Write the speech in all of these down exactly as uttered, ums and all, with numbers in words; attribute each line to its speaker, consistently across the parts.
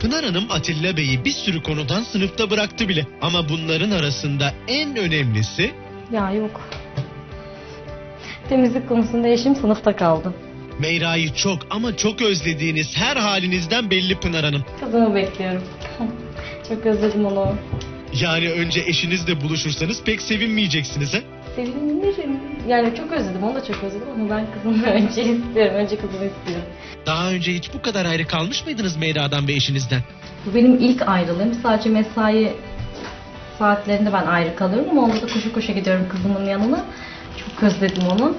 Speaker 1: Pınar Hanım Atilla Bey'i bir sürü konudan sınıfta bıraktı bile. Ama bunların arasında en önemlisi...
Speaker 2: Ya yok. Temizlik konusunda eşim sınıfta kaldı.
Speaker 1: Meyra'yı çok ama çok özlediğiniz her halinizden belli Pınar Hanım.
Speaker 2: Kızımı bekliyorum. Çok özledim onu.
Speaker 1: Yani önce eşinizle buluşursanız pek sevinmeyeceksiniz ha?
Speaker 2: Sevinirim. Yani çok özledim, onu da çok özledim ama ben kızımı önce istiyorum. Önce kızımı istiyorum.
Speaker 1: Daha önce hiç bu kadar ayrı kalmış mıydınız Meyra'dan ve eşinizden?
Speaker 2: Bu benim ilk ayrılığım. Sadece mesai saatlerinde ben ayrı kalıyorum ama onda da koşu koşu gidiyorum kızımın yanına. Çok özledim onu.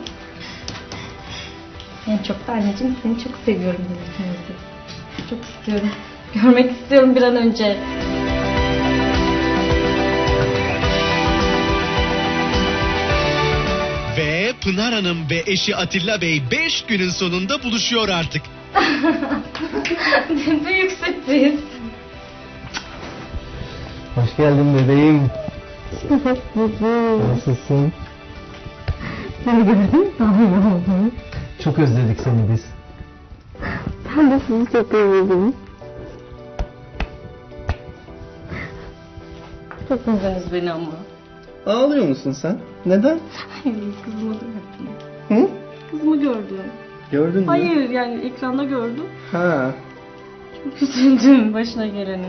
Speaker 2: En çok da anneciğim seni çok seviyorum dedi. Çok istiyorum. Görmek istiyorum bir an önce.
Speaker 1: Ve Pınar Hanım ve eşi Atilla Bey beş günün sonunda buluşuyor artık.
Speaker 2: Büyük sürpriz.
Speaker 3: Hoş geldin bebeğim. Nasılsın?
Speaker 2: Seni gördüm daha iyi oldu.
Speaker 3: Çok özledik seni biz.
Speaker 2: Ben de sizi çok özledim. Çok özlediniz beni ama.
Speaker 3: Ağlıyor musun sen? Neden?
Speaker 2: Hayır, kızımı gördüm.
Speaker 3: Hı?
Speaker 2: Kızımı gördüm.
Speaker 3: Gördün mü?
Speaker 2: Hayır, yani ekranda gördüm.
Speaker 3: Ha.
Speaker 2: Çok üzüldüm başına geleni.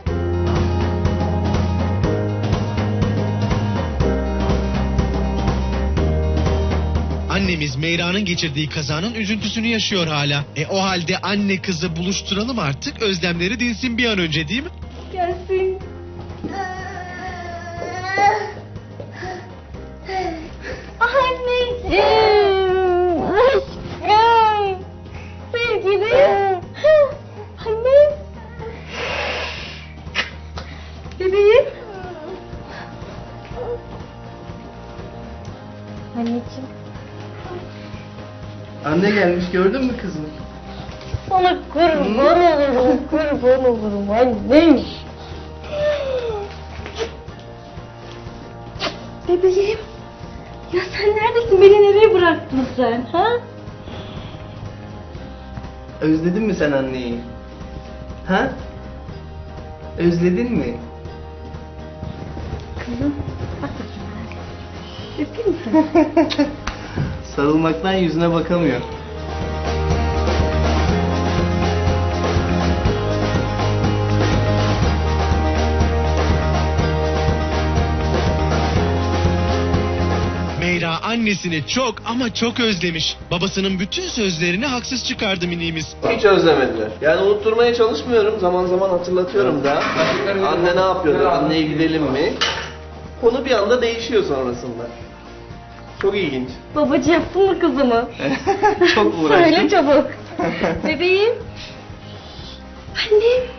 Speaker 1: Annemiz Meyra'nın geçirdiği kazanın üzüntüsünü yaşıyor hala. E o halde anne kızı buluşturalım artık, özlemleri dinsin bir an önce değil mi?
Speaker 2: Gelsin. Anneciğim. Aşkım. Sevgilim. Anne. Bebeğim. Anneciğim.
Speaker 3: Anne gelmiş, gördün mü kızım?
Speaker 2: Sana kurban olurum, kurban olurum annem. Bebeğim. Ya sen neredesin? Beni nereye bıraktın sen? Ha?
Speaker 3: Özledin mi sen anneyi? Ha? Özledin mi?
Speaker 2: Kızım, bak bakayım. Öpeyim mi seni?
Speaker 3: Sarılmaktan yüzüne bakamıyor.
Speaker 1: Meyra annesini çok ama çok özlemiş. Babasının bütün sözlerini haksız çıkardı miniğimiz.
Speaker 4: Hiç özlemediler. Yani unutturmaya çalışmıyorum. Zaman zaman hatırlatıyorum da. Anne ne yapıyordu? Anneye gidelim mi? Konu bir anda değişiyor sonrasında. Çok ilginç.
Speaker 2: Babacı yaptın mı kızımı?
Speaker 4: Çok uğraştım.
Speaker 2: Söyle çabuk. Bebeğim. Annem.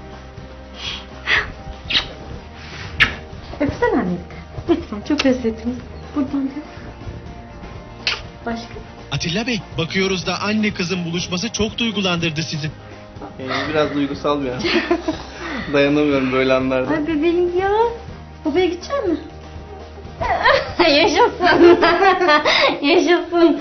Speaker 2: Öpsene anne. Lütfen, çok özledim. Buradan da. Başka?
Speaker 1: Atilla Bey, bakıyoruz da anne kızın buluşması çok duygulandırdı sizi.
Speaker 4: Ee, biraz duygusal bir an. Dayanamıyorum böyle anlarda.
Speaker 2: Ay bebeğim ya. Babaya gidecek mi? Yaşasın. Yaşasın.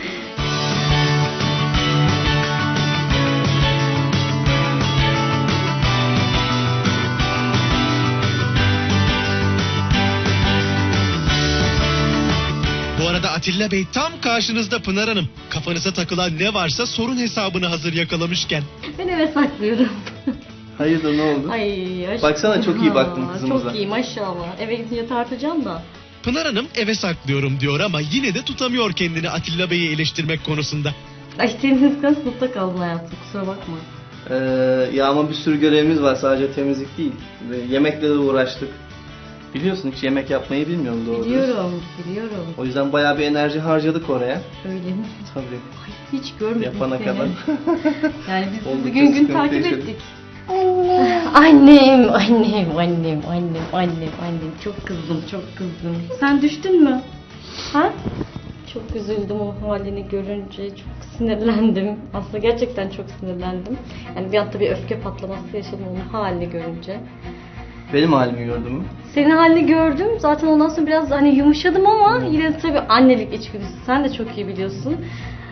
Speaker 1: Bu arada Atilla Bey tam karşınızda Pınar Hanım. Kafanıza takılan ne varsa sorun hesabını hazır yakalamışken.
Speaker 2: Ben eve saklıyorum.
Speaker 3: Hayırdır, ne oldu?
Speaker 2: Ay aşkım.
Speaker 3: Baksana, çok iyi baktın
Speaker 2: Ha,
Speaker 3: kızımıza.
Speaker 2: Çok iyi maşallah. Eve gidince tartacağım da.
Speaker 1: Pınar Hanım eve saklıyorum diyor ama yine de tutamıyor kendini Atilla Bey'i eleştirmek konusunda.
Speaker 2: Ay senin yüzünden sınıfta kaldın hayatım, kusura bakma.
Speaker 3: Ee, ya ama bir sürü görevimiz var, sadece temizlik değil. Ve yemekle de uğraştık. Biliyorsun, hiç yemek yapmayı bilmiyorum doğru.
Speaker 2: Biliyorum, biliyorum.
Speaker 3: O yüzden bayağı bir enerji harcadık oraya.
Speaker 2: Öyle mi?
Speaker 3: Tabii.
Speaker 2: Ay, hiç görmedim
Speaker 3: Yapana
Speaker 2: seni.
Speaker 3: kadar.
Speaker 2: Yani biz
Speaker 3: Oldukça
Speaker 2: sizi gün gün
Speaker 3: sıkıntı
Speaker 2: takip
Speaker 3: yaşadık.
Speaker 2: ettik. Annem, annem, annem, annem, annem, annem. Çok kızdım, çok kızdım. Sen düştün mü? Ha? Çok üzüldüm o halini görünce. Çok sinirlendim. Aslında gerçekten çok sinirlendim. Yani bir anda bir öfke patlaması yaşadım onun halini görünce.
Speaker 3: Benim halimi gördün mü?
Speaker 2: Senin halini gördüm. Zaten ondan sonra biraz hani yumuşadım ama yine de tabii annelik içgüdüsü. Sen de çok iyi biliyorsun.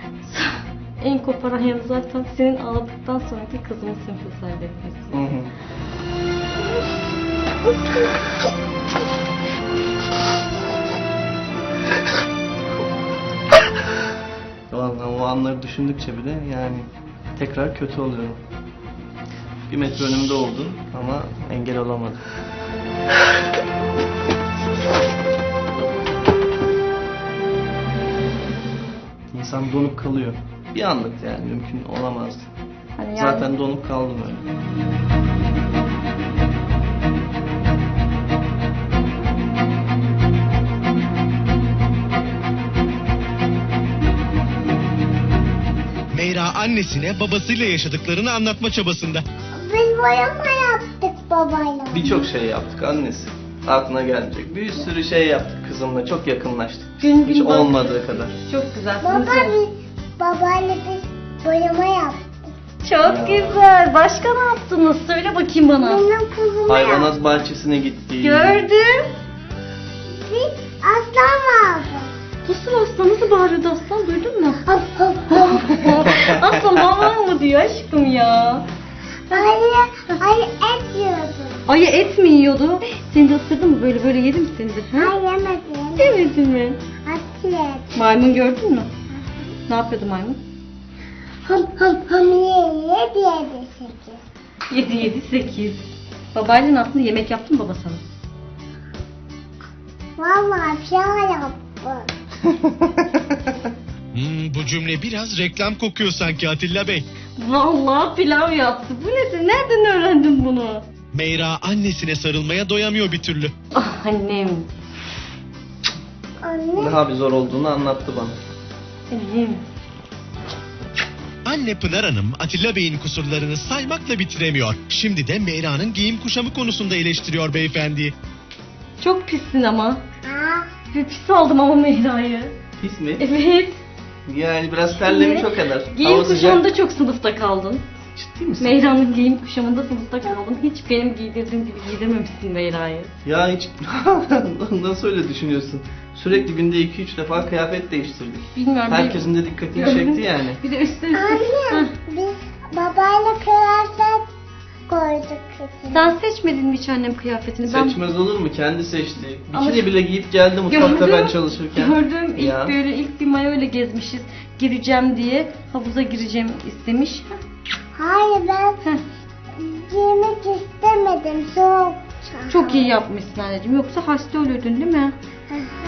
Speaker 2: En koparan yanı zaten senin ağladıktan sonraki kızımın simpati etmesi.
Speaker 3: Hı hı. Vallahi o anları düşündükçe bile yani tekrar kötü oluyorum. Bir metre önümde oldu ama engel olamadım. İnsan donup kalıyor. Bir anlık yani mümkün olamazdı.
Speaker 2: Hani yani-
Speaker 3: Zaten donup kaldım öyle.
Speaker 1: Meyra annesine babasıyla yaşadıklarını anlatma çabasında.
Speaker 5: Biz boyama yaptık babayla.
Speaker 3: Birçok şey yaptık annesi. Aklına gelmeyecek. Bir sürü şey yaptık kızımla. Çok yakınlaştık.
Speaker 2: Gün gün
Speaker 3: Hiç
Speaker 2: bak-
Speaker 3: olmadığı kadar.
Speaker 2: Çok güzel.
Speaker 5: Baba
Speaker 2: Sizin için-
Speaker 5: biz babayla biz boyama yaptık.
Speaker 2: Çok güzel. Başka ne yaptınız? Söyle bakayım bana.
Speaker 5: Benim kızıma yaptık.
Speaker 3: Hayvanat bahçesine gittik.
Speaker 2: Gördüm.
Speaker 5: Biz aslan vardı.
Speaker 2: Nasıl aslan? Nasıl bağırıyordu aslan? Duydun mu?
Speaker 5: Hop hop hop.
Speaker 2: Aslan havan mı diyor aşkım ya?
Speaker 5: Ayı, ayı et yiyordu.
Speaker 2: Ayı et mi yiyordu? Seni de ısırdı mı? Böyle böyle yedi mi seni de? Ha?
Speaker 5: Ay yemedim.
Speaker 2: Yemedin mi?
Speaker 5: At ye.
Speaker 2: Maymun gördün mü? Ne yapıyordu maymun?
Speaker 5: Hop hop hop ye ye diye de sekiz.
Speaker 2: Yedi yedi sekiz. Babayla ne yaptın? Yemek yaptın mı baba sana?
Speaker 5: Vallahi pilav yaptı.
Speaker 1: Hmm, bu cümle biraz reklam kokuyor sanki Atilla Bey.
Speaker 2: Vallahi pilav yaptı. Bu nedir? Nereden öğrendin bunu?
Speaker 1: Meyra annesine sarılmaya doyamıyor bir türlü.
Speaker 2: Ah annem.
Speaker 5: Anne.
Speaker 3: Daha bir zor olduğunu anlattı bana.
Speaker 2: Annem.
Speaker 1: Anne Pınar Hanım Atilla Bey'in kusurlarını saymakla bitiremiyor. Şimdi de Meyra'nın giyim kuşamı konusunda eleştiriyor beyefendiyi.
Speaker 2: Çok pissin ama.
Speaker 5: Ha.
Speaker 2: Bir pis oldum ama Meyra'yı.
Speaker 3: Pis mi?
Speaker 2: Evet.
Speaker 3: Yani biraz terlemiş o kadar.
Speaker 2: Giyim
Speaker 3: Hava sıcak.
Speaker 2: kuşamında çok sınıfta kaldın.
Speaker 3: Ciddi misin?
Speaker 2: Meyra'nın giyim kuşamında sınıfta kaldın. Hiç benim giydirdiğim gibi giydirmemişsin Meyra'yı.
Speaker 3: Ya hiç nasıl öyle düşünüyorsun? Sürekli günde iki üç defa kıyafet değiştirdik.
Speaker 2: Bilmiyorum.
Speaker 3: Herkesin de dikkatini
Speaker 2: Gördün.
Speaker 3: çekti yani.
Speaker 2: Bir de üstüne üstüne.
Speaker 5: Anne.
Speaker 2: Heh.
Speaker 5: Biz babayla kıyafet koyduk kızım.
Speaker 2: Sen seçmedin mi hiç annem kıyafetini? Ben
Speaker 3: Seçmez olur mu? Kendi seçti.
Speaker 2: Ama-
Speaker 3: Bikini bile giyip geldi mutfakta
Speaker 2: Gördüm.
Speaker 3: ben çalışırken.
Speaker 2: Gördüm. İlk
Speaker 3: Ya.
Speaker 2: böyle ilk bir mayo ile gezmişiz. Gireceğim diye havuza gireceğim istemiş.
Speaker 5: Hayır ben
Speaker 2: Heh.
Speaker 5: giymek istemedim soğuk.
Speaker 2: Çok iyi yapmışsın anneciğim. Yoksa hasta ölürdün değil mi?
Speaker 5: Hı hı.